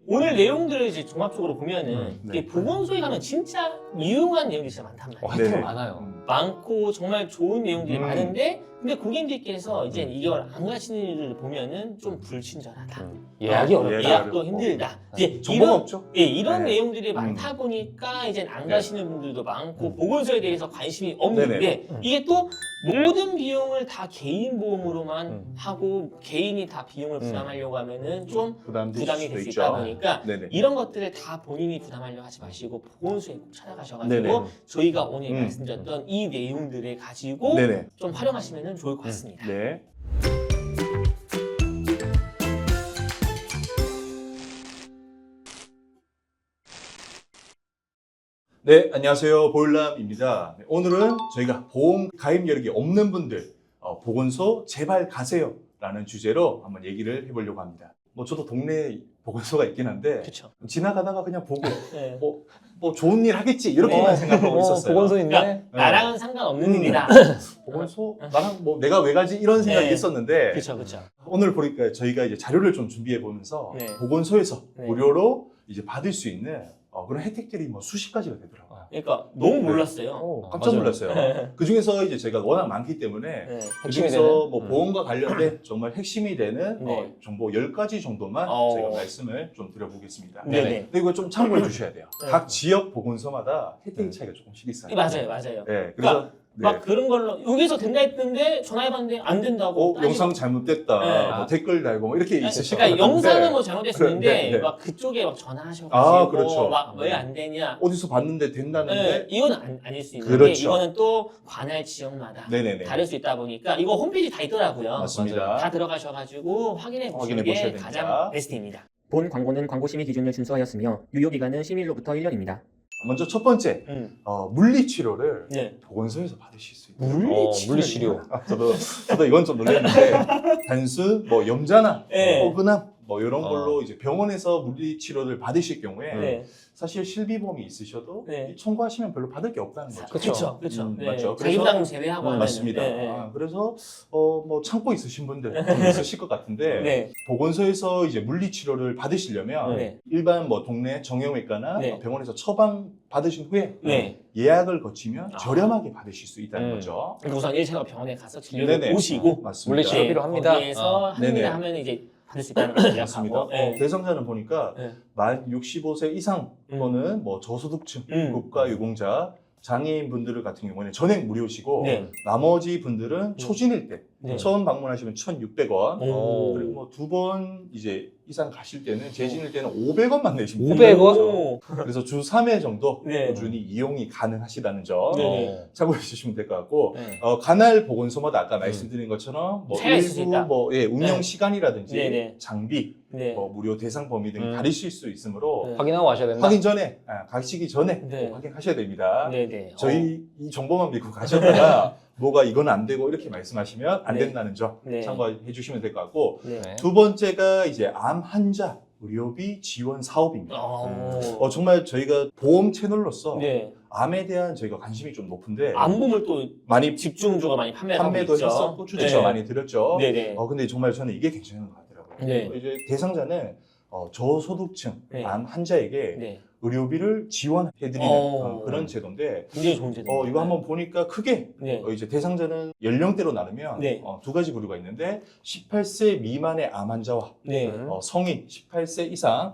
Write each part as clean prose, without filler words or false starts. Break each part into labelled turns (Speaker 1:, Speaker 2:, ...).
Speaker 1: 오늘 내용들을 이제 종합적으로 보면은
Speaker 2: 네.
Speaker 1: 이게 보건소에 가면 진짜 유용한 내용들이 진짜 많단 말이에요.
Speaker 3: 하여튼
Speaker 2: 네네.
Speaker 3: 많아요.
Speaker 1: 많고 정말 좋은 내용들이
Speaker 2: 음.
Speaker 1: 많은데 근데 고객님들께서 이제 이걸 안 가시는 일을 보면은 좀 불친절하다.
Speaker 3: 예약이 어렵다.
Speaker 1: 예약도
Speaker 2: 어렵고.
Speaker 1: 힘들다. 이제
Speaker 2: 정보가
Speaker 1: 이런
Speaker 2: 없죠?
Speaker 1: 이런
Speaker 2: 네.
Speaker 1: 내용들이 많다 보니까 이제 안
Speaker 2: 네.
Speaker 1: 가시는 분들도 많고 보건소에 대해서 관심이 없는데
Speaker 2: 네네.
Speaker 1: 이게 또 모든 비용을 다 개인 보험으로만 하고 개인이 다 비용을 부담하려고 하면은 좀 부담이 될 수 있다 보니까
Speaker 2: 네네.
Speaker 1: 이런 것들을 다 본인이 부담하려고 하지 마시고 보건소에 꼭 찾아가셔가지고
Speaker 2: 네네.
Speaker 1: 저희가 오늘 말씀드렸던 이 내용들을 가지고
Speaker 2: 네네.
Speaker 1: 좀 활용하시면 좋을 것 같습니다.
Speaker 2: 네. 네, 안녕하세요. 보일남입니다. 네, 오늘은 저희가 보험 가입 여력이 없는 분들 보건소 제발 가세요 라는 주제로 한번 얘기를 해보려고 합니다. 뭐 저도 동네에 보건소가 있긴 한데
Speaker 1: 그렇죠.
Speaker 2: 지나가다가 그냥 보고
Speaker 1: 네.
Speaker 2: 뭐 좋은 일 하겠지 이렇게만 생각하고 있었어요.
Speaker 3: 보건소인데.
Speaker 1: 그러니까 나랑은 상관없는 일이다.
Speaker 2: 보건소 나랑 뭐 내가 왜 가지 이런 생각이
Speaker 1: 네.
Speaker 2: 있었는데
Speaker 1: 그렇죠, 그렇죠.
Speaker 2: 오늘 보니까 저희가 이제 자료를 좀 준비해 보면서
Speaker 1: 네.
Speaker 2: 보건소에서
Speaker 1: 네.
Speaker 2: 무료로 이제 받을 수 있는 그런 혜택들이 뭐 수십 가지가 되더라고요.
Speaker 1: 그러니까 너무 몰랐어요.
Speaker 2: 깜짝
Speaker 3: 맞아요.
Speaker 2: 놀랐어요. 그 중에서 이제 제가 워낙 많기 때문에
Speaker 1: 네.
Speaker 2: 그
Speaker 3: 핵심이
Speaker 2: 중에서
Speaker 3: 되는?
Speaker 2: 뭐 보험과 관련된 정말 핵심이 되는
Speaker 1: 네.
Speaker 2: 정보 10가지 정도만
Speaker 1: 어.
Speaker 2: 제가 말씀을 좀 드려보겠습니다.
Speaker 1: 네네.
Speaker 2: 근데 이거 좀 참고해 주셔야 돼요.
Speaker 1: 네.
Speaker 2: 각 지역 보건소마다 혜택 차이가 조금씩 있어요.
Speaker 1: 맞아요, 맞아요.
Speaker 2: 네, 그래서
Speaker 1: 그러니까
Speaker 2: 네.
Speaker 1: 막 그런 걸로 여기서 된다 했는데 전화해봤는데 안 된다고. 따지고.
Speaker 2: 영상 잘못됐다,
Speaker 1: 네.
Speaker 2: 뭐 댓글 달고 뭐 이렇게 있으시죠.
Speaker 1: 그러니까 영상은 뭐 잘못됐었는데
Speaker 2: 네, 네.
Speaker 1: 막 그쪽에 막 전화하셔가지고
Speaker 2: 아, 그렇죠.
Speaker 1: 막 왜 안 되냐.
Speaker 2: 어디서 봤는데 된다는데
Speaker 1: 네, 이건 아닐 수 있는 게
Speaker 2: 그렇죠.
Speaker 1: 이거는 또 관할 지역마다
Speaker 2: 네네네.
Speaker 1: 다를 수 있다 보니까 이거 홈페이지 다 있더라고요.
Speaker 2: 맞습니다.
Speaker 1: 다 들어가셔가지고 확인해 보시는
Speaker 2: 확인해 보셔야
Speaker 1: 게
Speaker 2: 됩니다.
Speaker 1: 가장 베스트입니다.
Speaker 4: 본 광고는 광고 심의 기준을 준수하였으며 유효 기간은 심의일로부터 1년입니다.
Speaker 2: 먼저 첫 번째 물리 치료를
Speaker 1: 네.
Speaker 2: 보건소에서 받으실 수 있어요.
Speaker 3: 물리치료.
Speaker 2: 저도 이건 좀 놀랐는데 단순 뭐 염자나
Speaker 1: 네.
Speaker 2: 뻐근함 뭐 이런 걸로 이제 병원에서 물리 치료를 받으실 경우에
Speaker 1: 네.
Speaker 2: 사실 실비보험이 있으셔도
Speaker 1: 네.
Speaker 2: 청구하시면 별로 받을 게 없다는 거죠.
Speaker 1: 그렇죠, 그렇죠. 네.
Speaker 2: 맞죠.
Speaker 1: 자기부담 제외하고 하면은.
Speaker 2: 맞습니다.
Speaker 1: 네, 네.
Speaker 2: 그래서 뭐 참고 있으신 분들 좀 있으실 것 같은데
Speaker 1: 네.
Speaker 2: 보건소에서 이제 물리 치료를 받으시려면
Speaker 1: 네.
Speaker 2: 일반 뭐 동네 정형외과나
Speaker 1: 네.
Speaker 2: 병원에서 처방 받으신 후에
Speaker 1: 네.
Speaker 2: 예약을 거치면 저렴하게 받으실 수 있다는 거죠.
Speaker 1: 그러니까 우선 1차가 병원에 가서 진료를
Speaker 2: 네네.
Speaker 1: 보시고
Speaker 2: 맞습니다.
Speaker 3: 물리치료
Speaker 1: 네,
Speaker 3: 필요합니다.
Speaker 1: 거기에서
Speaker 2: 네네.
Speaker 1: 합니다 하면 이제 받을 수 있다는 걸
Speaker 2: 맞습니다.
Speaker 1: 예약하고. 네.
Speaker 2: 대상자는 보니까
Speaker 1: 네.
Speaker 2: 만 65세 이상 또는 뭐 저소득층, 국가유공자, 장애인 분들 같은 경우에는 전액 무료시고
Speaker 1: 네.
Speaker 2: 나머지 분들은 초진일 때
Speaker 1: 네.
Speaker 2: 처음 방문하시면 1,600원
Speaker 1: 오.
Speaker 2: 그리고 뭐 두 번 이제 이상 가실 때는 재진일 때는 500원만 내시면
Speaker 3: 500원?
Speaker 2: 됩니다.
Speaker 1: 오.
Speaker 2: 그래서 주 3회 정도
Speaker 1: 네.
Speaker 2: 꾸준히 이용이 가능하시다는 점
Speaker 1: 네.
Speaker 2: 참고해 주시면 될 것 같고
Speaker 1: 네.
Speaker 2: 관할 보건소마다 아까 말씀드린 것처럼 뭐
Speaker 1: 차이가 있을 수
Speaker 2: 일부
Speaker 1: 있다.
Speaker 2: 뭐 운영
Speaker 1: 네.
Speaker 2: 시간이라든지
Speaker 1: 네, 네.
Speaker 2: 장비
Speaker 1: 네.
Speaker 2: 뭐 무료 대상 범위 등이 다르실 수 있으므로
Speaker 1: 네.
Speaker 3: 확인하고 가셔야 된다.
Speaker 2: 확인 전에 가시기 전에
Speaker 1: 네.
Speaker 2: 꼭 확인하셔야 됩니다.
Speaker 1: 네네.
Speaker 2: 저희 이 정보만 믿고 가셨다가 뭐가 이건 안 되고 이렇게 말씀하시면 안
Speaker 1: 네.
Speaker 2: 된다는 점
Speaker 1: 네.
Speaker 2: 참고해 주시면 될 것 같고
Speaker 1: 네.
Speaker 3: 네.
Speaker 2: 두 번째가 이제 암 환자 의료비 지원 사업입니다. 정말 저희가 보험 채널로서
Speaker 1: 네.
Speaker 2: 암에 대한 저희가 관심이 좀 높은데
Speaker 1: 안보물 또
Speaker 2: 많이
Speaker 1: 집중적으로 많이 판매하고
Speaker 2: 판매도
Speaker 1: 있죠.
Speaker 2: 했었고 추천도
Speaker 1: 네.
Speaker 2: 많이 드렸죠.
Speaker 1: 네네.
Speaker 2: 근데 정말 저는 이게 괜찮은 것 같더라고요.
Speaker 1: 네.
Speaker 2: 이제 대상자는 저소득층
Speaker 1: 네.
Speaker 2: 암 환자에게
Speaker 1: 네.
Speaker 2: 의료비를 지원해드리는 그런 제도인데
Speaker 1: 굉장히 좋은 제도.
Speaker 2: 이거 한번 보니까 크게
Speaker 1: 네.
Speaker 2: 이제 대상자는 연령대로 나누면
Speaker 1: 네.
Speaker 2: 두 가지 부류가 있는데 18세 미만의 암 환자와
Speaker 1: 네.
Speaker 2: 성인 18세 이상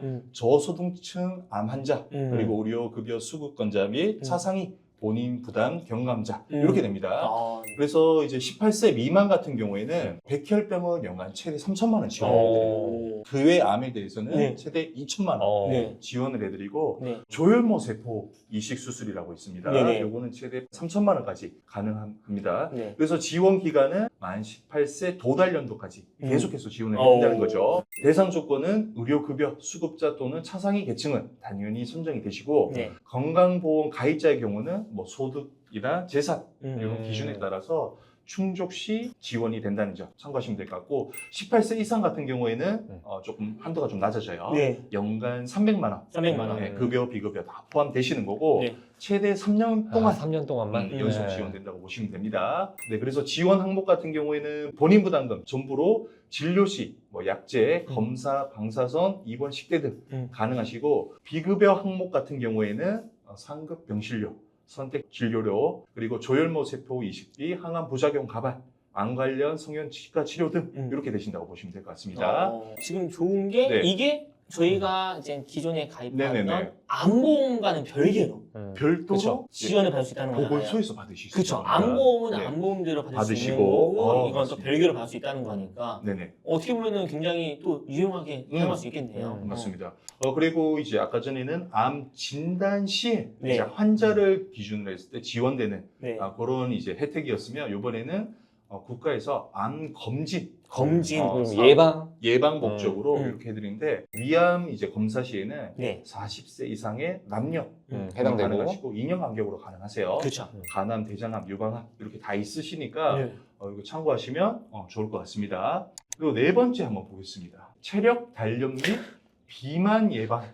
Speaker 2: 저소득층 암 환자 그리고 의료급여 수급권자 및 차상위 본인 부담 경감자 이렇게 됩니다. 그래서 이제 18세 미만 같은 경우에는 백혈병은 연간 최대 3천만 원 지원해드려요. 그 외 암에 대해서는
Speaker 1: 네.
Speaker 2: 최대 2천만 원
Speaker 1: 네.
Speaker 2: 지원을 해드리고
Speaker 1: 네.
Speaker 2: 조혈모 세포 이식 수술이라고 있습니다.
Speaker 1: 네네.
Speaker 2: 요거는 최대 3천만 원까지 가능합니다.
Speaker 1: 네.
Speaker 2: 그래서 지원 기간은 만 18세 도달 연도까지 계속해서 지원을
Speaker 1: 오.
Speaker 2: 한다는 거죠. 대상 조건은 의료급여 수급자 또는 차상위 계층은 당연히 선정이 되시고
Speaker 1: 네.
Speaker 2: 건강보험 가입자의 경우는 뭐 소득이나 재산 이런 기준에 따라서 충족 시 지원이 된다는 점 참고하시면 될 것 같고 18세 이상 같은 경우에는 조금 한도가 좀 낮아져요.
Speaker 1: 네.
Speaker 2: 연간 300만 원.
Speaker 1: 300만 원.
Speaker 2: 네, 급여, 비급여 다 포함되시는 거고
Speaker 1: 네.
Speaker 2: 최대 3년 동안
Speaker 3: 3년 동안만
Speaker 2: 연속 지원된다고 보시면 됩니다. 네, 그래서 지원 항목 같은 경우에는 본인 부담금 전부로 진료 시, 뭐 약제, 검사, 방사선, 입원, 식대 등 가능하시고 비급여 항목 같은 경우에는 상급 병실료, 선택 진료료, 그리고 조혈모 세포 이식비, 항암 부작용 가발, 암 관련 성형 치과 치료 등 이렇게 되신다고 보시면 될 것 같습니다.
Speaker 1: 지금 좋은 게
Speaker 2: 네.
Speaker 1: 이게 저희가 이제 기존에 가입하던
Speaker 2: 네네네.
Speaker 1: 암보험과는 별개로
Speaker 2: 별도로
Speaker 3: 그쵸.
Speaker 1: 지원을 받을 수 있다는 거잖아요.
Speaker 2: 보건소에서 받으실 수
Speaker 1: 그렇죠.
Speaker 2: 있습니다.
Speaker 1: 암보험은
Speaker 2: 네.
Speaker 1: 암보험대로 받을 수
Speaker 2: 받으시고,
Speaker 1: 있는 거고 이건 또
Speaker 2: 맞습니다.
Speaker 1: 별개로 받을 수 있다는 거니까
Speaker 2: 네네.
Speaker 1: 어떻게 보면은 굉장히 또 유용하게 사용할 수 있겠네요.
Speaker 2: 맞습니다. 그리고 이제 아까 전에는 암 진단 시에
Speaker 1: 네.
Speaker 2: 이제 환자를 기준으로 했을 때 지원되는
Speaker 1: 네.
Speaker 2: 그런 이제 혜택이었으면 이번에는 국가에서 암 검진
Speaker 1: 검진.
Speaker 3: 예방
Speaker 2: 목적으로
Speaker 1: 음.
Speaker 2: 이렇게 해드리는데 위암 이제 검사 시에는
Speaker 1: 네.
Speaker 2: 40세 이상의 남녀
Speaker 3: 해당되고
Speaker 2: 가능하시고 2년 간격으로 가능하세요.
Speaker 1: 그렇죠.
Speaker 2: 간암, 대장암, 유방암 이렇게 다 있으시니까
Speaker 1: 네.
Speaker 2: 이거 참고하시면 좋을 것 같습니다. 그리고 네 번째 한번 보겠습니다. 체력 단련 및 비만 예방,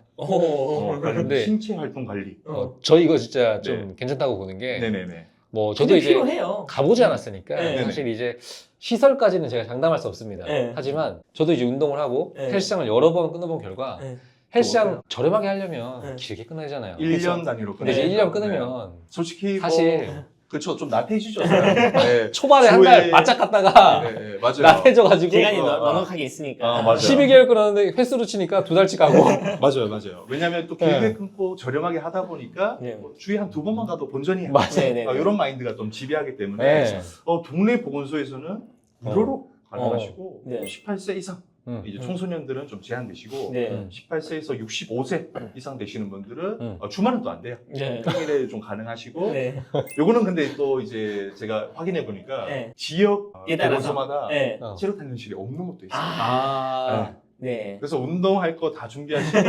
Speaker 3: 근데
Speaker 2: 신체 활동 관리.
Speaker 3: 저 이거 진짜 좀
Speaker 2: 네.
Speaker 3: 괜찮다고 보는 게
Speaker 2: 네네네.
Speaker 3: 뭐 저도
Speaker 1: 근데
Speaker 3: 이제
Speaker 1: 필요해요.
Speaker 3: 가보지 않았으니까
Speaker 1: 네.
Speaker 3: 사실 이제 시설까지는 제가 장담할 수 없습니다.
Speaker 1: 네.
Speaker 3: 하지만 저도 이제 운동을 하고
Speaker 1: 네.
Speaker 3: 헬스장을 여러 번 끊어본 결과
Speaker 1: 네.
Speaker 3: 헬스장 저렴하게 하려면
Speaker 1: 네.
Speaker 3: 길게 끊어야 되잖아요.
Speaker 2: 1년 단위로
Speaker 3: 근데 이제
Speaker 2: 끊으니까.
Speaker 3: 1년 끊으면
Speaker 2: 솔직히
Speaker 3: 사실
Speaker 2: 그렇죠. 좀 나태해지죠. 네.
Speaker 3: 초반에 한 달 바짝 갔다가
Speaker 2: 네, 맞아요.
Speaker 3: 나태해져가지고
Speaker 1: 기간이
Speaker 2: 어,
Speaker 1: 넉넉하게 있으니까.
Speaker 2: 맞아요.
Speaker 3: 12개월 끊었는데 횟수로 치니까 2달치 가고
Speaker 2: 맞아요. 왜냐하면 또 길게
Speaker 3: 네.
Speaker 2: 끊고 저렴하게 하다 보니까
Speaker 1: 네.
Speaker 2: 뭐 주에 한 2번만 가도 본전이야.
Speaker 3: 맞아요.
Speaker 1: 네네.
Speaker 2: 이런 마인드가 좀 지배하기 때문에
Speaker 3: 네.
Speaker 2: 동네 보건소에서는 무료로 가능하시고
Speaker 1: 네.
Speaker 2: 18세 이상 이제 청소년들은 좀 제한되시고
Speaker 1: 네.
Speaker 2: 18세에서 65세 이상 되시는 분들은 주말은 또 안 돼요.
Speaker 1: 네.
Speaker 2: 평일에 좀 가능하시고
Speaker 1: 네.
Speaker 2: 요거는 근데 또 이제 제가 확인해 보니까
Speaker 1: 네.
Speaker 2: 지역
Speaker 1: 에 따라서.
Speaker 2: 보건소마다
Speaker 1: 네.
Speaker 2: 체력 단련실이 없는 것도 있어요.
Speaker 3: 아,
Speaker 1: 네.
Speaker 2: 그래서 운동할 거 다 준비하시고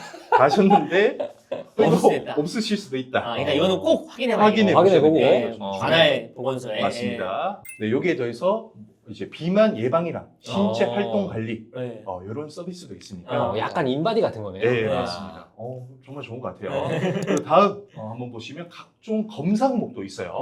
Speaker 2: 가셨는데 또
Speaker 1: 없을 수도 있다.
Speaker 2: 없으실 수도 있다.
Speaker 1: 그러니까 이거는 꼭 확인해
Speaker 3: 확인해보고.
Speaker 1: 네.
Speaker 2: 어.
Speaker 1: 관할 보건소에.
Speaker 2: 맞습니다. 네, 여기에 더해서 이제 비만 예방이랑 신체
Speaker 3: 어.
Speaker 2: 활동 관리
Speaker 1: 네.
Speaker 2: 이런 서비스도 있으니까
Speaker 3: 약간 인바디 같은 거네요.
Speaker 2: 네,
Speaker 1: 네.
Speaker 2: 맞습니다. 정말 좋은 것 같아요. 그리고 다음 한번 보시면 각종 검사 항목도 있어요.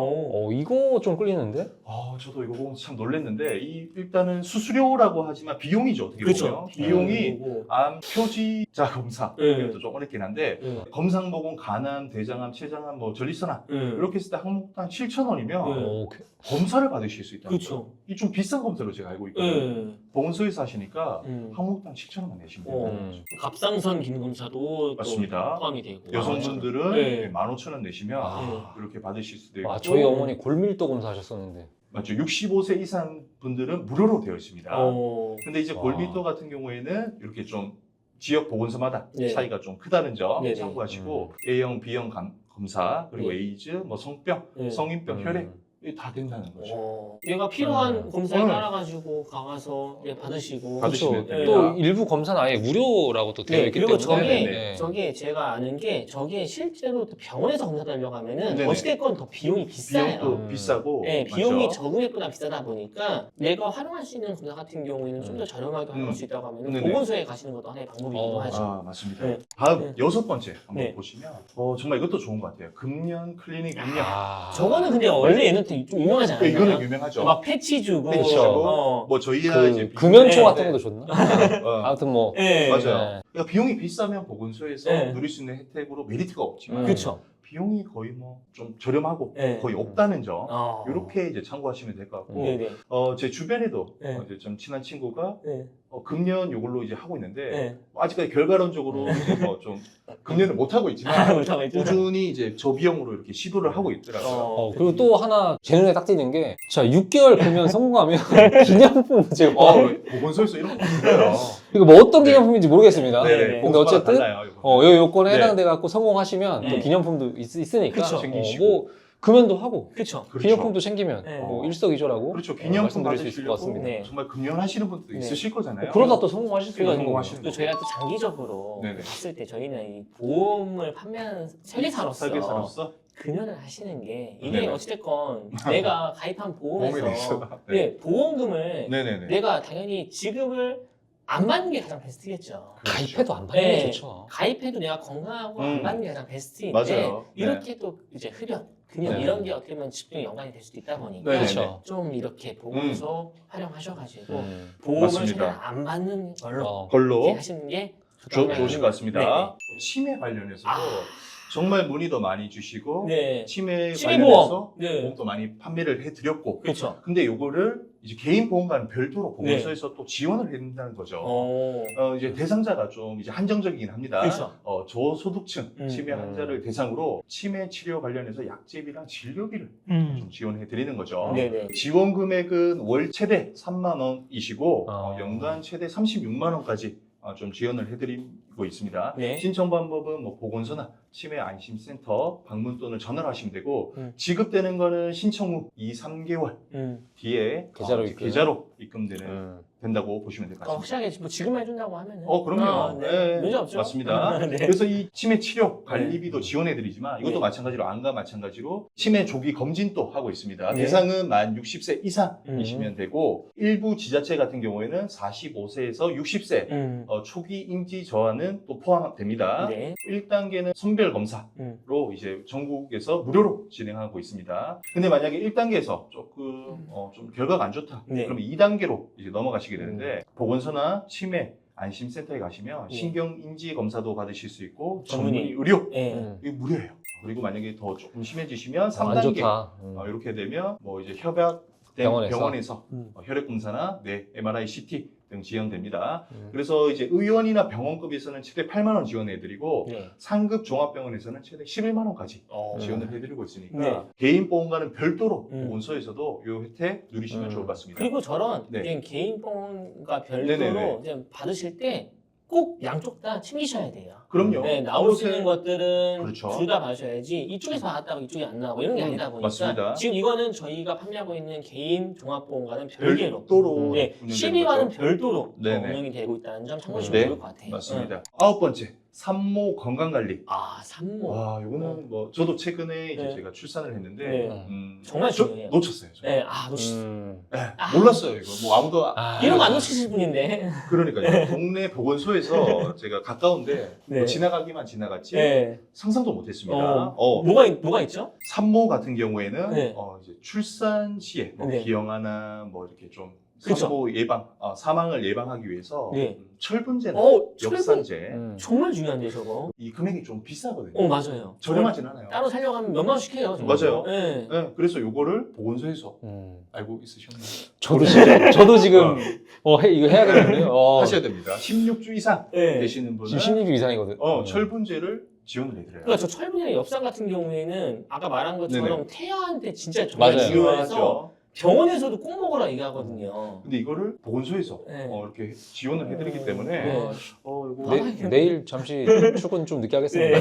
Speaker 3: 이거 좀 끌리는데?
Speaker 2: 저도 이거 보면서 참 놀랐는데 일단은 수수료라고 하지만 비용이죠. 어떻게
Speaker 1: 그렇죠.
Speaker 2: 보면 비용이
Speaker 1: 그리고,
Speaker 2: 암 표지자 검사
Speaker 1: 네.
Speaker 2: 이것도 좀 어렵긴 한데 검사 항목은 간암, 대장암, 췌장암, 뭐 전립선암 이렇게 했을 때 항목당 7,000원이면 검사를 받으실 수 있다는 거죠.
Speaker 1: 그렇죠.
Speaker 2: 이 좀 비싼 검사로 제가 알고 있거든요. 보건소에서 하시니까 항목당 7,000원만 내시면 돼요.
Speaker 1: 갑상선 기능 검사도
Speaker 2: 맞습니다.
Speaker 1: 또 포함이 되고.
Speaker 2: 여성분들은
Speaker 1: 네.
Speaker 2: 15,000원 내시면
Speaker 3: 아.
Speaker 2: 이렇게 받으실 수도 있고.
Speaker 3: 저희 어머니 골밀도 검사 하셨었는데.
Speaker 2: 맞죠. 65세 이상 분들은 무료로 되어 있습니다. 근데 이제
Speaker 3: 와.
Speaker 2: 골밀도 같은 경우에는 이렇게 좀 지역 보건소마다
Speaker 1: 네.
Speaker 2: 차이가 좀 크다는 점
Speaker 1: 네네.
Speaker 2: 참고하시고 A형, B형 검사 그리고
Speaker 1: 네.
Speaker 2: 에이즈, 뭐 성병,
Speaker 1: 네.
Speaker 2: 성인병, 혈액 이게 다 된다는 거죠.
Speaker 1: 얘가 필요한 검사에
Speaker 2: 네.
Speaker 1: 따라가지고 가서 받으시고.
Speaker 2: 받으시면
Speaker 3: 그렇죠.
Speaker 2: 됩니다.
Speaker 3: 또 일부 검사는 아예 무료라고 또 되어
Speaker 1: 네,
Speaker 3: 있기
Speaker 1: 그리고
Speaker 3: 때문에.
Speaker 2: 네.
Speaker 1: 저게 제가 아는 게 저게 실제로 또 병원에서 검사 받으려고 하면은
Speaker 2: 네네.
Speaker 1: 어찌됐건 더 비용이 비싸요.
Speaker 2: 비용도 비싸고
Speaker 1: 네, 비용이
Speaker 2: 맞죠?
Speaker 1: 적응액보다 비싸다 보니까 내가 활용할 수 있는 검사 같은 경우에는 좀 더 저렴하게 활용할 수 있다고 하면
Speaker 2: 네네.
Speaker 1: 보건소에 가시는 것도 하나의 방법이기도 하죠.
Speaker 2: 맞습니다.
Speaker 1: 네.
Speaker 2: 다음
Speaker 1: 네.
Speaker 2: 6번째 한번
Speaker 1: 네.
Speaker 2: 보시면 정말 이것도 좋은 것 같아요. 금년 클리닉 운영.
Speaker 1: 저거는 근데 원래 얘는 좀 유명하지 않아요?
Speaker 2: 이거는 유명하죠.
Speaker 1: 막 패치 주고.
Speaker 2: 패치 주고.
Speaker 1: 어.
Speaker 2: 뭐 저희야 이제
Speaker 3: 금연초
Speaker 1: 네,
Speaker 3: 같은
Speaker 2: 네.
Speaker 3: 것도 좋나?
Speaker 2: 어,
Speaker 3: 아무튼 뭐.
Speaker 1: 네.
Speaker 2: 맞아요.
Speaker 3: 네.
Speaker 2: 그러니까 비용이 비싸면 보건소에서
Speaker 1: 네.
Speaker 2: 누릴 수 있는 혜택으로 메리트가 없지만
Speaker 1: 그렇죠.
Speaker 2: 비용이 거의 뭐 좀 저렴하고
Speaker 1: 네.
Speaker 2: 거의 없다는 점
Speaker 1: 어.
Speaker 2: 이렇게 이제 참고하시면 될 것 같고
Speaker 1: 네네.
Speaker 2: 제 주변에도
Speaker 1: 네.
Speaker 2: 이제 좀 친한 친구가
Speaker 1: 네.
Speaker 2: 금년 이걸로 이제 하고 있는데
Speaker 1: 네.
Speaker 2: 아직까지 결과론적으로 이제 뭐 좀 금년을 못 하고 있지만
Speaker 1: 못하고 있죠.
Speaker 2: 꾸준히 이제 저비용으로 이렇게 시도를 하고 있더라고요.
Speaker 3: 그리고 또 하나 제 눈에 딱 띄는 게, 자, 6개월 금연 성공하면 기념품 제가
Speaker 2: 보건소에서 이런 거 있어요.
Speaker 3: 이거 뭐 어떤
Speaker 2: 네.
Speaker 3: 기념품인지 모르겠습니다.
Speaker 1: 네.
Speaker 3: 근데
Speaker 2: 보건소마다
Speaker 3: 어쨌든
Speaker 2: 달라요, 이거는.
Speaker 3: 요 요건에
Speaker 2: 네.
Speaker 3: 해당돼 갖고 성공하시면 또
Speaker 1: 네.
Speaker 3: 기념품도 있으니까
Speaker 1: 그쵸.
Speaker 2: 챙기시고.
Speaker 3: 뭐 금연도 하고
Speaker 1: 그렇죠.
Speaker 2: 그렇죠.
Speaker 3: 기념품도 챙기면
Speaker 1: 네.
Speaker 3: 뭐 일석이조라고
Speaker 2: 그렇죠. 기념품
Speaker 3: 말씀드릴 수 있을 것
Speaker 2: 받으시려고
Speaker 3: 같습니다.
Speaker 1: 네.
Speaker 2: 정말 금연하시는 분도
Speaker 1: 네.
Speaker 2: 있으실 거잖아요.
Speaker 3: 그러다 또 성공하실 수
Speaker 1: 그리고
Speaker 3: 있는
Speaker 2: 성공하시는
Speaker 3: 거죠.
Speaker 1: 또 저희가 또 장기적으로
Speaker 2: 네네.
Speaker 1: 봤을 때 저희는 이 보험을 판매하는 설계사로서
Speaker 2: 설계사로서
Speaker 1: 금연을 하시는 게 이게
Speaker 2: 네네.
Speaker 1: 어찌됐건 내가 가입한
Speaker 2: 보험에
Speaker 1: 보험에서
Speaker 2: 대해서.
Speaker 1: 네, 보험금을
Speaker 2: 네네네.
Speaker 1: 내가 당연히 지급을 안 받는 게 가장 베스트겠죠.
Speaker 3: 가입해도 안 받는 게
Speaker 1: 네.
Speaker 3: 좋죠.
Speaker 1: 가입해도 내가 건강하고 안 받는 게 가장 베스트인데
Speaker 2: 맞아요. 네.
Speaker 1: 이렇게 또 이제 흡연, 금연
Speaker 2: 네.
Speaker 1: 이런 게 어떻게 보면 집중에 연관이 될 수도 있다 보니까
Speaker 2: 네네네.
Speaker 3: 그렇죠.
Speaker 1: 좀 이렇게 보험소 활용하셔가지고 보험을
Speaker 2: 맞습니다.
Speaker 1: 최대한 안 받는 걸로
Speaker 2: 걸로
Speaker 1: 이렇게 하시는 게
Speaker 2: 좋으실 것 같습니다. 치매 관련해서도
Speaker 1: 아.
Speaker 2: 정말 문의도 많이 주시고
Speaker 1: 네.
Speaker 2: 치매
Speaker 1: 치매보험.
Speaker 2: 관련해서
Speaker 1: 네.
Speaker 2: 보험도 많이 판매를 해드렸고
Speaker 1: 그렇죠.
Speaker 2: 근데 요거를 이제 개인 보험과는 별도로 보건소에서 또 지원을 해준다는 거죠. 이제 대상자가 좀 이제 한정적이긴 합니다.
Speaker 1: 그렇죠.
Speaker 2: 저소득층 치매
Speaker 3: 음.
Speaker 2: 환자를 대상으로 치매 치료 관련해서 약제비랑 진료비를 좀 지원해 드리는 거죠.
Speaker 1: 네네.
Speaker 2: 지원 금액은 월 최대 3만 원이시고
Speaker 3: 아.
Speaker 2: 연간 최대 36만 원까지 좀 지원을 해드리고 있습니다.
Speaker 1: 네.
Speaker 2: 신청 방법은 뭐 보건소나 치매 안심센터 방문 또는 전화를 하시면 되고 지급되는 거는 신청 후 2, 3개월 뒤에
Speaker 3: 계좌로
Speaker 2: 이제
Speaker 3: 입금.
Speaker 2: 계좌로 입금되는 된다고 보시면 될 것 같습니다.
Speaker 1: 확실하게 뭐 지급만 해준다고 하면은
Speaker 2: 그럼요.
Speaker 1: 네. 문제 없죠.
Speaker 2: 맞습니다.
Speaker 1: 네.
Speaker 2: 그래서 이 치매 치료 관리비도 지원해드리지만 이것도
Speaker 1: 네.
Speaker 2: 마찬가지로 안과 마찬가지로 치매 조기 검진도 하고 있습니다.
Speaker 1: 네.
Speaker 2: 대상은 만 60세 이상이시면 되고 일부 지자체 같은 경우에는 45세에서 60세 초기 인지 저하는 또 포함됩니다.
Speaker 1: 네.
Speaker 2: 1단계는 선별 검사로 이제 전국에서 무료로 진행하고 있습니다. 근데 만약에 1단계에서 조금 좀 결과가 안 좋다.
Speaker 1: 네.
Speaker 2: 그럼 2단계로 이제 넘어가시게 되는데 보건소나 치매 안심센터에 가시면
Speaker 1: 네.
Speaker 2: 신경인지 검사도 받으실 수 있고
Speaker 1: 전문의.
Speaker 2: 전문의 의료
Speaker 1: 네.
Speaker 2: 이게 무료예요. 그리고 만약에 더 조금 심해지시면
Speaker 3: 안
Speaker 2: 3단계
Speaker 3: 좋다.
Speaker 2: 이렇게 되면 뭐 이제 협약된 병원에서 혈액 검사나 MRI, CT 등 지원됩니다. 그래서 이제 의원이나 병원급에서는 최대 8만 원 지원해드리고
Speaker 1: 네. 상급
Speaker 2: 상급 종합병원에서는 최대 11만 원까지 지원을 해드리고 있으니까
Speaker 1: 네.
Speaker 2: 개인 보험과는 별도로
Speaker 1: 음.
Speaker 2: 보건소에서도 이 혜택 누리시면 좋을 것 같습니다.
Speaker 1: 그리고 저런
Speaker 2: 네.
Speaker 1: 이제 개인 보험과 별도로
Speaker 2: 네네네.
Speaker 1: 이제 받으실 때 꼭 양쪽 다 챙기셔야 돼요.
Speaker 2: 그럼요.
Speaker 1: 네, 나올 수 있는 것들은
Speaker 2: 그렇죠.
Speaker 1: 둘 다 받으셔야지 이쪽에서 받았다가 이쪽이 안 나오고 이런 게 아니다 보니까
Speaker 2: 맞습니다.
Speaker 1: 지금 이거는 저희가 판매하고 있는 개인 종합보험과는 별개로
Speaker 2: 별도로
Speaker 1: 네,
Speaker 2: 운영되는
Speaker 1: 12와는
Speaker 2: 거죠.
Speaker 1: 별도로
Speaker 2: 네네.
Speaker 1: 운영이 되고 있다는 점 참고하시면
Speaker 2: 네,
Speaker 1: 좋을 것 같아요.
Speaker 2: 맞습니다. 9번째, 산모 건강관리.
Speaker 1: 산모.
Speaker 2: 와, 이거는 뭐 저도 최근에 이제
Speaker 1: 네.
Speaker 2: 제가 출산을 했는데
Speaker 1: 네.
Speaker 3: 음.
Speaker 1: 정말
Speaker 2: 저
Speaker 1: 중요해요.
Speaker 2: 놓쳤어요. 저.
Speaker 1: 네,
Speaker 2: 몰랐어요 이거. 뭐 아무도
Speaker 1: 이런 거 안 놓치실 분인데.
Speaker 2: 그러니까요. 동네 보건소에서 제가 가까운데
Speaker 1: 네.
Speaker 2: 뭐 지나가기만 지나갔지
Speaker 1: 네.
Speaker 2: 상상도 못했습니다.
Speaker 1: 뭐가 있죠?
Speaker 2: 산모 같은 경우에는
Speaker 1: 네.
Speaker 2: 이제 출산 시에 뭐
Speaker 1: 네.
Speaker 2: 기형아나 뭐 이렇게 좀
Speaker 1: 그쵸.
Speaker 2: 산모 예방, 사망을 예방하기 위해서
Speaker 1: 네.
Speaker 2: 철분제나
Speaker 1: 철분
Speaker 2: 역산제
Speaker 1: 정말 중요한데 저거.
Speaker 2: 이 금액이 좀 비싸거든요.
Speaker 1: 맞아요.
Speaker 2: 저렴하진 않아요.
Speaker 1: 따로 살려고 하면 몇만 원씩 해요. 저거.
Speaker 2: 맞아요.
Speaker 1: 네.
Speaker 2: 네, 그래서 요거를 보건소에서 알고
Speaker 3: 저도
Speaker 2: 있으셨나요?
Speaker 3: 저도 지금 이거 해야겠는데요.
Speaker 2: 하셔야 됩니다. 16주 이상
Speaker 1: 네.
Speaker 2: 되시는 분은
Speaker 3: 지금 16주 이상이거든.
Speaker 2: 철분제를 지원을 해드려요.
Speaker 1: 그러니까 저 철분이나 엽산 같은 경우에는 아까 말한 것처럼
Speaker 2: 네네.
Speaker 1: 태아한테 진짜 정말
Speaker 3: 맞아요.
Speaker 1: 중요해서
Speaker 2: 중요하죠.
Speaker 1: 병원에서도 꼭 먹으라 얘기하거든요.
Speaker 2: 근데 이거를 보건소에서
Speaker 1: 네.
Speaker 2: 이렇게 지원을 해드리기 때문에
Speaker 1: 네.
Speaker 2: 이거
Speaker 3: 내일 잠시 출근 좀 늦게 하겠습니다.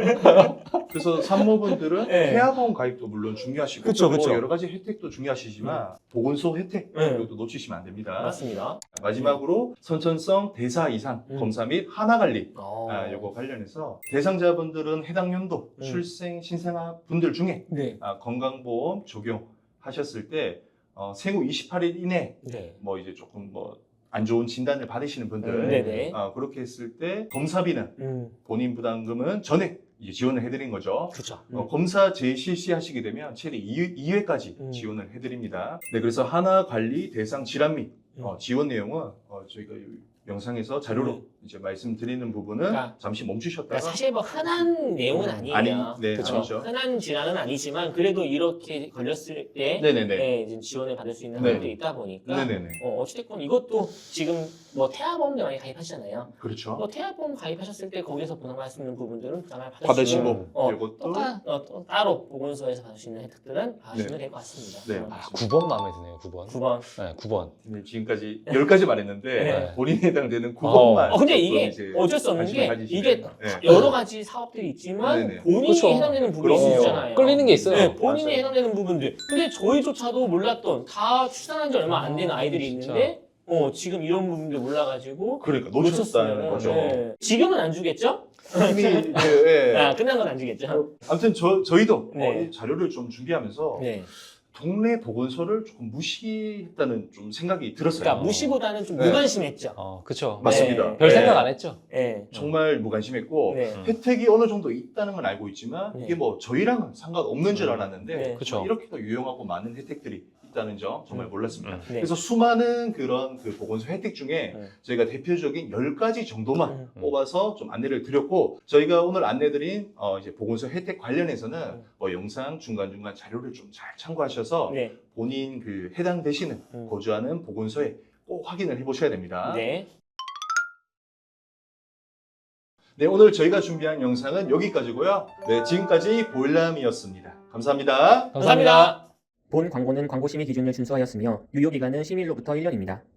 Speaker 2: 그래서 산모분들은
Speaker 1: 네.
Speaker 2: 태아보험 가입도 물론 중요하시고
Speaker 1: 그쵸, 그쵸.
Speaker 2: 또 여러 가지 혜택도 중요하시지만 보건소 혜택
Speaker 1: 네.
Speaker 2: 이것도 놓치시면 안 됩니다.
Speaker 1: 맞습니다.
Speaker 2: 마지막으로 선천성 대사 이상 검사 및 하나 관리 요거 관련해서 대상자분들은 해당 연도 출생 신생아 분들 중에
Speaker 1: 네.
Speaker 2: 건강보험 적용하셨을 때 생후 28일 이내
Speaker 1: 네.
Speaker 2: 뭐 이제 조금 뭐 안 좋은 진단을 받으시는 분들
Speaker 1: 네네.
Speaker 2: 그렇게 했을 때 검사비는 본인 부담금은 전액 이제 지원을 해드린 거죠.
Speaker 1: 그렇죠.
Speaker 2: 검사 재실시하시게 되면 최대 2회까지 지원을 해드립니다. 네, 그래서 하나 관리 대상 질환 및 지원 내용은 저희가 영상에서 자료로 이제 말씀드리는 부분은
Speaker 1: 그러니까
Speaker 2: 잠시 멈추셨다가
Speaker 1: 사실 뭐 흔한 내용은 아니에요.
Speaker 2: 네,
Speaker 3: 그쵸.
Speaker 2: 아니죠.
Speaker 1: 흔한 질환은 아니지만 그래도 이렇게 걸렸을 때
Speaker 2: 네네네.
Speaker 1: 이제 지원을 받을 수 있는
Speaker 2: 네.
Speaker 1: 항목들이 있다 보니까
Speaker 2: 네네네.
Speaker 1: 어찌됐건 이것도 지금 뭐 태아보험도 많이 가입하시잖아요.
Speaker 2: 그렇죠.
Speaker 1: 뭐 태아보험 가입하셨을 때 거기서 부담할 수 있는 부분들은 부담을 받으시고
Speaker 2: 받으시고 이것도
Speaker 1: 또 따로 보건소에서 받을 수 있는 혜택들은 받으시면
Speaker 2: 네.
Speaker 1: 될 것 같습니다.
Speaker 2: 네.
Speaker 3: 9번 마음에 드네요. 9번.
Speaker 1: 9번.
Speaker 3: 네, 9번.
Speaker 2: 네, 지금까지 10가지 말했는데
Speaker 3: 네.
Speaker 2: 본인에 해당되는 9번만
Speaker 1: 근데 이게 어쩔 수 없는 게 이게 여러 가지 사업들이 있지만
Speaker 2: 네네.
Speaker 1: 본인이
Speaker 3: 그쵸.
Speaker 1: 해당되는 부분이
Speaker 2: 그럼요.
Speaker 1: 있잖아요.
Speaker 3: 끌리는 게 있어요.
Speaker 1: 네, 본인이
Speaker 2: 맞아요.
Speaker 1: 해당되는 부분들. 근데 저희조차도 몰랐던 다 출산한 지 얼마 안 된 아이들이
Speaker 3: 진짜.
Speaker 1: 있는데 지금 이런 부분도 몰라가지고
Speaker 2: 그러니까 놓쳤다는
Speaker 1: 놓쳤으면은,
Speaker 2: 거죠.
Speaker 1: 네. 지금은 안 주겠죠?
Speaker 2: 이미 이제,
Speaker 1: 아, 끝난 건 안 주겠죠?
Speaker 2: 아무튼 저희도
Speaker 1: 네.
Speaker 2: 이 자료를 좀 준비하면서
Speaker 1: 네.
Speaker 2: 동네 보건소를 조금 무시했다는 좀 생각이 들었어요.
Speaker 1: 그러니까 무시보다는 좀
Speaker 2: 네.
Speaker 1: 무관심했죠.
Speaker 3: 그쵸.
Speaker 2: 맞습니다.
Speaker 1: 네.
Speaker 3: 별
Speaker 2: 네.
Speaker 3: 생각 안 했죠.
Speaker 1: 네.
Speaker 2: 정말 무관심했고
Speaker 1: 네.
Speaker 2: 혜택이 어느 정도 있다는 건 알고 있지만
Speaker 1: 네.
Speaker 2: 이게 뭐 저희랑은 상관없는 줄 알았는데
Speaker 1: 네.
Speaker 3: 그쵸.
Speaker 2: 이렇게도 유용하고 많은 혜택들이 있다는 점 정말 몰랐습니다.
Speaker 1: 네.
Speaker 2: 그래서 수많은 그런 그 보건소 혜택 중에
Speaker 1: 네.
Speaker 2: 저희가 대표적인 10가지 정도만
Speaker 1: 음.
Speaker 2: 뽑아서 좀 안내를 드렸고 저희가 오늘 안내드린 이제 보건소 혜택 관련해서는 뭐 영상 중간중간 자료를 좀 잘 참고하셔서
Speaker 1: 네.
Speaker 2: 본인 그 해당되시는 거주하는 보건소에 꼭 확인을 해보셔야 됩니다.
Speaker 1: 네.
Speaker 2: 네, 오늘 저희가 준비한 영상은 여기까지고요. 네, 지금까지 보일람이었습니다. 감사합니다.
Speaker 1: 감사합니다.
Speaker 4: 본 광고는 광고 심의 기준을 준수하였으며 유효 기간은 심의일로부터 1년입니다.